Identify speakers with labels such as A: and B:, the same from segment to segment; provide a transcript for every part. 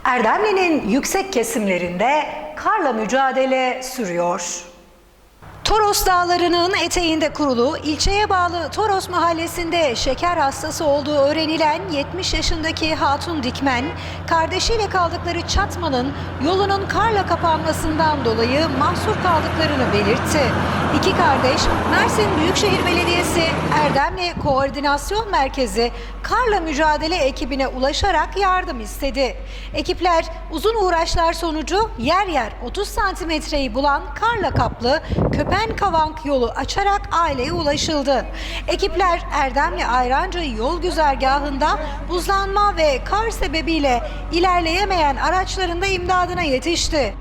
A: Erdemli'nin yüksek kesimlerinde karla mücadele sürüyor. Toros Dağları'nın eteğinde kurulu, ilçeye bağlı Toros Mahallesi'nde şeker hastası olduğu öğrenilen 70 yaşındaki Hatun Dikmen, kardeşiyle kaldıkları çatmanın yolunun karla kapanmasından dolayı mahsur kaldıklarını belirtti. İki kardeş, Mersin Büyükşehir Belediyesi Erdemli Koordinasyon Merkezi karla mücadele ekibine ulaşarak yardım istedi. Ekipler uzun uğraşlar sonucu yer yer 30 santimetreyi bulan karla kaplı Köpen-Kavank yolu açarak aileye ulaşıldı. Ekipler Erdemli Ayrancı yol güzergahında buzlanma ve kar sebebiyle ilerleyemeyen araçların da imdadına yetişti.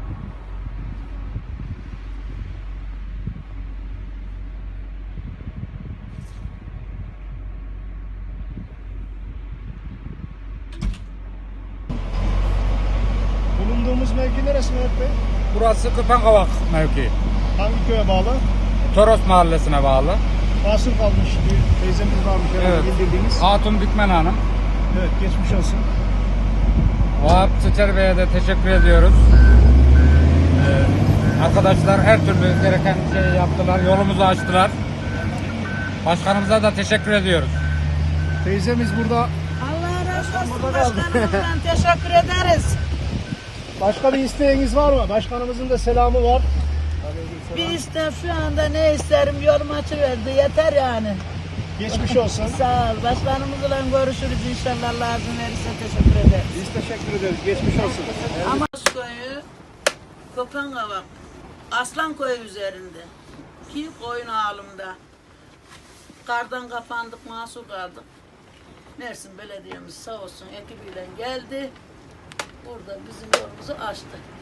B: Bulunduğumuz mevki neresi Mehmet Bey?
C: Burası Köpen-Kavank mevkii.
B: Hangi köye bağlı?
C: Toros Mahallesi'ne bağlı.
B: Mahsur kalmış bir teyzemiz varmış herhalde
C: Evet.
B: bildirdiğiniz.
C: Hatun Dikmen Hanım.
B: Evet, geçmiş olsun.
C: Vahap Çeçer Bey'e de teşekkür ediyoruz. Arkadaşlar her türlü gereken şeyi yaptılar. Yolumuzu açtılar. Başkanımıza da teşekkür ediyoruz.
B: Teyzemiz burada.
D: Allah razı olsun başkanımızdan teşekkür ederiz.
B: Başka bir isteğiniz var mı? Başkanımızın da selamı var.
D: Bir isteğim şu anda ne isterim yolum açıverdi yeter yani.
B: Geçmiş olsun.
D: Sağ ol. Başkanımızla görüşürüz inşallah lazım verirse teşekkür ederiz.
B: Biz teşekkür ederiz. Geçmiş olsun.
D: Ama köyü Köpen-Kavank Aslan Köyü üzerinde ki koyun ağalımda kardan kapandık mahsur kaldık. Mersin Belediyemiz sağ olsun ekibiyle geldi. Burada bizim yolumuzu açtı.